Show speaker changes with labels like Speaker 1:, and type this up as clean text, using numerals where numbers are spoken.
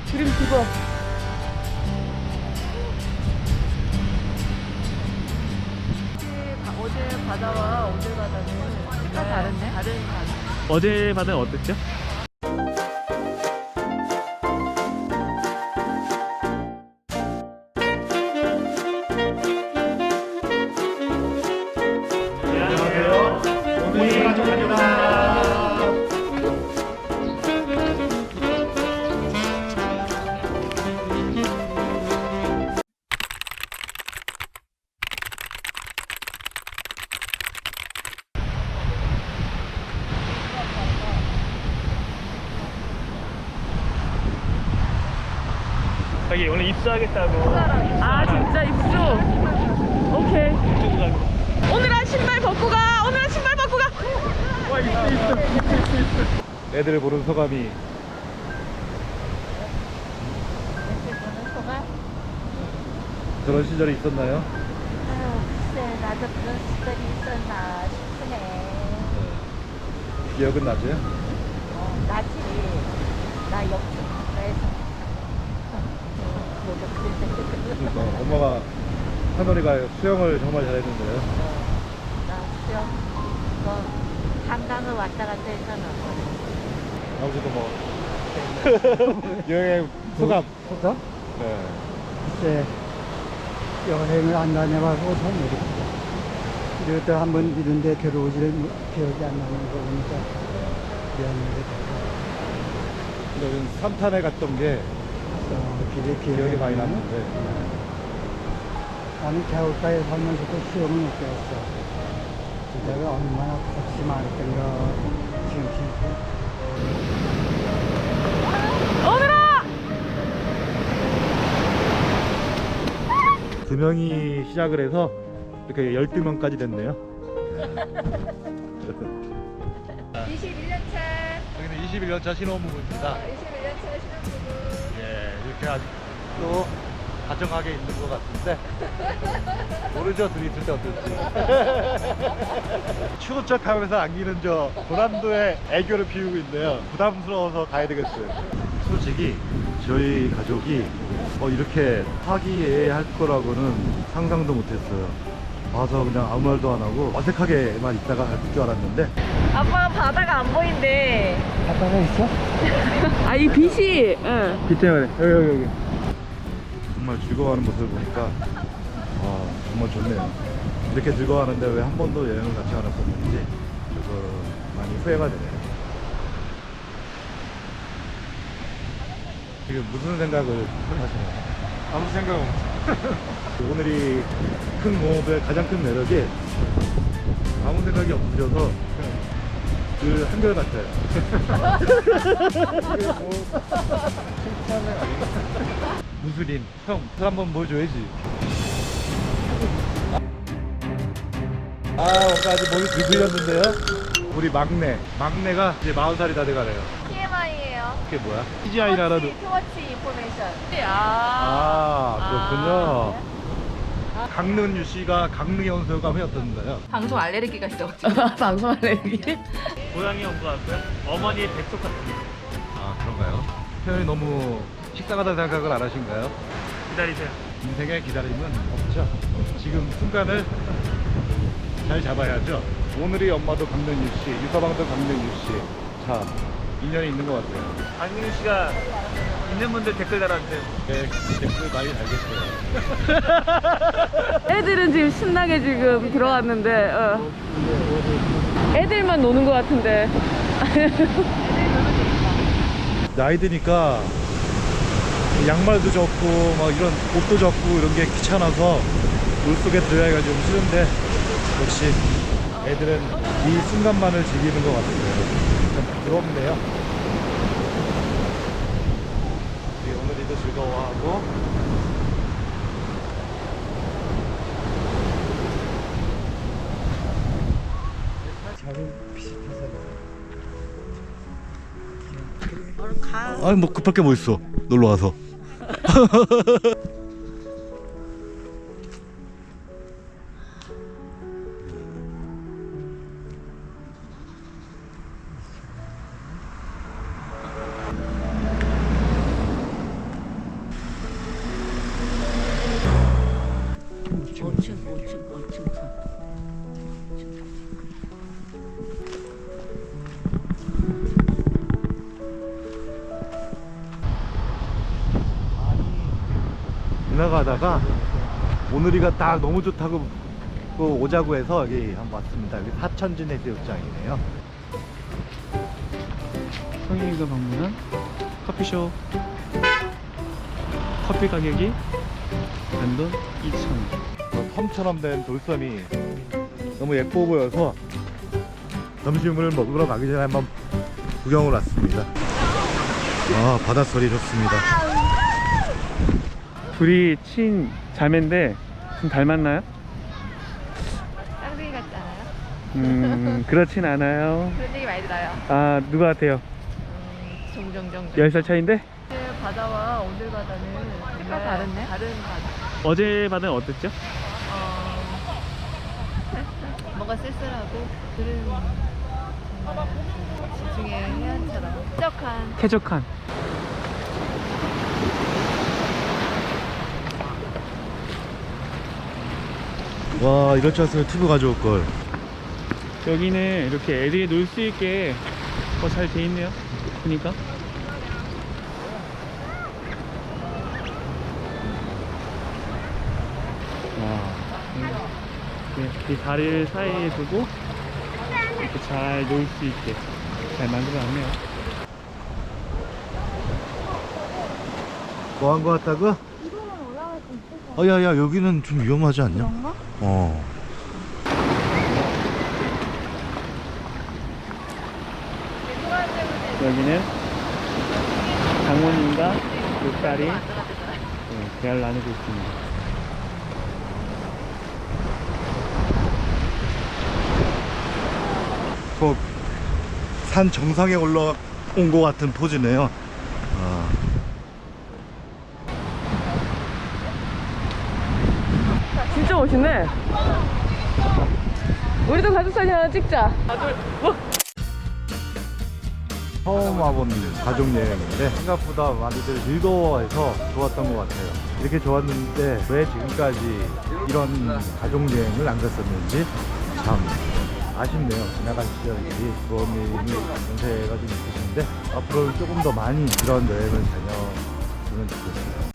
Speaker 1: 드림 기버. 어제 바다와 오늘 바다는 색깔 다른데? 다른 바다.
Speaker 2: 어제 바다는 어땠죠?
Speaker 3: 안녕하세요. 오늘 가족입니다.
Speaker 2: 여기 오늘 입수하겠다고.
Speaker 1: 아 진짜 입수. 오케이. 오늘은 신발 벗고 가. 오늘은 신발 벗고 가.
Speaker 2: 와, 있어.
Speaker 3: 애들을 보는 소감이. 그런 시절이 있었나요?
Speaker 4: 글쎄, 나도 그런 시절이 있었나 싶으네.
Speaker 3: 기억은 나죠?
Speaker 4: 나지. 나 옆집 가까이서.
Speaker 3: 그러니까 엄마가 하늘이가 수영을 정말 잘했는데요.
Speaker 4: 나 수영, 한강을 왔다 갔다 했잖아.
Speaker 3: 아버지도 뭐 여행 소감.
Speaker 5: 소감?
Speaker 3: 네.
Speaker 5: 글쎄, 여행을 안 다녀봐서 잘 모르겠어. 이것도 한번 이런데 들어오지를 기억이 안 나는 거 보니까 미안한데.
Speaker 3: 여기 삼탄에 갔던 게
Speaker 5: 길에
Speaker 3: 기억이 많이 남는데.
Speaker 5: 나는 겨울가에 살면서도 수영을 못 배웠어. 그때가 얼마나 겁이 많았던가 지금
Speaker 1: 오늘아.
Speaker 3: 두 명이 시작을 해서 이렇게 12명까지 됐네요.
Speaker 4: 21년 차.
Speaker 3: 여기는 21년차 신혼부부입니다.
Speaker 4: 21년 차 신혼부부.
Speaker 3: 예, 이렇게 아직도 다정하게 있는 것 같은데 모르죠, 둘이 있을 때 어떨지. 추운 척 하면서 안기는 저 고난도의 애교를 피우고 있네요. 부담스러워서 가야 되겠어요. 솔직히 저희 가족이 이렇게 화기애애할 거라고는 상상도 못했어요. 와서 그냥 아무 말도 안 하고 어색하게만 있다가 갈 줄 알았는데.
Speaker 1: 아빠 바다가 안 보인대.
Speaker 5: 바다가 있어?
Speaker 1: 아 이 빛이. 응.
Speaker 3: 빛 때문에 여기 정말 즐거워하는 모습을 보니까 정말 좋네요. 이렇게 즐거워하는데 왜 한 번도 여행을 같이 안 했었는지 그래서 많이 후회가 되네요. 지금 무슨 생각을 하시나요? 아무 생각 없어요. 오늘이 큰 공업의 가장 큰 매력이 아무 생각이 없으셔서 그 한결같아요. 칭찬은 아니고. 무술인 형, 술 한번 보여줘야지. 오빠 아직 몸이 들들렸는데요. 우리 막내가 이제 40살이 다 돼가네요.
Speaker 4: TMI예요.
Speaker 3: 그게 뭐야? TGI라도.
Speaker 4: 투워치 인포메이션.
Speaker 3: 그렇군요. 강릉유 씨가 강릉에 온 소감이 어떤가요?
Speaker 1: 방송 알레르기가 있어가지고. 방송 알레르기?
Speaker 2: 고양이 온 것 같고요. 어머니의 백석 같습니다.
Speaker 3: 그런가요? 표현이 너무 식상하다는 생각을 안 하신가요?
Speaker 2: 기다리세요.
Speaker 3: 인생에 기다림은 없죠. 지금 순간을 잘 잡아야죠. 오늘이 엄마도 강릉유 씨, 유서방도 강릉유 씨. 자, 인연이 있는 것 같아요.
Speaker 2: 안민우 씨가 있는 분들 댓글 달아주세요.
Speaker 3: 네, 댓글 많이 달겠어요.
Speaker 1: 애들은 지금 신나게 지금 들어갔는데 애들만 노는 것 같은데.
Speaker 3: 나이 드니까 양말도 젖고 막 이런 옷도 젖고 이런 게 귀찮아서 물속에 들어가기가 좀 싫은데 역시 애들은 이 순간만을 즐기는 것 같아요. 참 부럽네요. 우리 오늘이도 즐거워하고
Speaker 5: 자기 비슷해서.
Speaker 3: 뭐 급할 게 뭐 있어, 놀러 와서. 지나가다가 오늘이가 딱 너무 좋다고 오자고 해서 여기 한번 왔습니다. 여기 사천진 해수욕장이네요.
Speaker 2: 성인이가 방문한 커피숍. 커피 가격이 단돈 2,000원.
Speaker 3: 섬처럼 된 돌섬이 너무 예뻐 보여서 점심을 먹으러 가기 전에 한번 구경을 왔습니다. 아, 바닷소리 좋습니다.
Speaker 2: 둘이 친 자매인데 좀 닮았나요?
Speaker 4: 쌍둥이 같지 않아요?
Speaker 2: 그렇진 않아요.
Speaker 4: 그런 얘기 많이 들어요.
Speaker 2: 아, 누가 같아요?
Speaker 4: 종종.
Speaker 2: 10살 차이인데?
Speaker 4: 오늘 바다와 오늘 바다는 정말 다른데? 다른 바다.
Speaker 2: 어제 바다는 어땠죠?
Speaker 4: 뭔가 쓸쓸하고 들은 정말 지중해 해안처럼 쾌적한
Speaker 2: 쾌적한.
Speaker 3: 와, 이럴 줄 알았으면 튜브 가져올 걸.
Speaker 2: 여기는 이렇게 애들이 놀 수 있게 잘 돼 있네요. 보니까. 이 다리를 사이에 두고 이렇게 잘 놀 수 있게 잘 만들어놨네요.
Speaker 3: 뭐 한 거 같다고? 야야, 여기는 좀 위험하지 않냐? 그런가?
Speaker 2: 여기는 장모님과 그 딸이 대화를 나누고 있습니다.
Speaker 3: 산 정상에 올라온 것 같은 포즈네요.
Speaker 1: 진짜 멋있네. 우리도 가족 사진 하나 찍자.
Speaker 3: 처음 와본 가족 여행인데 생각보다 많이들 즐거워해서 좋았던 것 같아요. 이렇게 좋았는데 왜 지금까지 이런 가족 여행을 안 갔었는지 참 아쉽네요. 지나간 시절이 부모님이 연세가 좀 있으신데 앞으로는 조금 더 많이 이런 여행을 다녀주면 좋겠어요.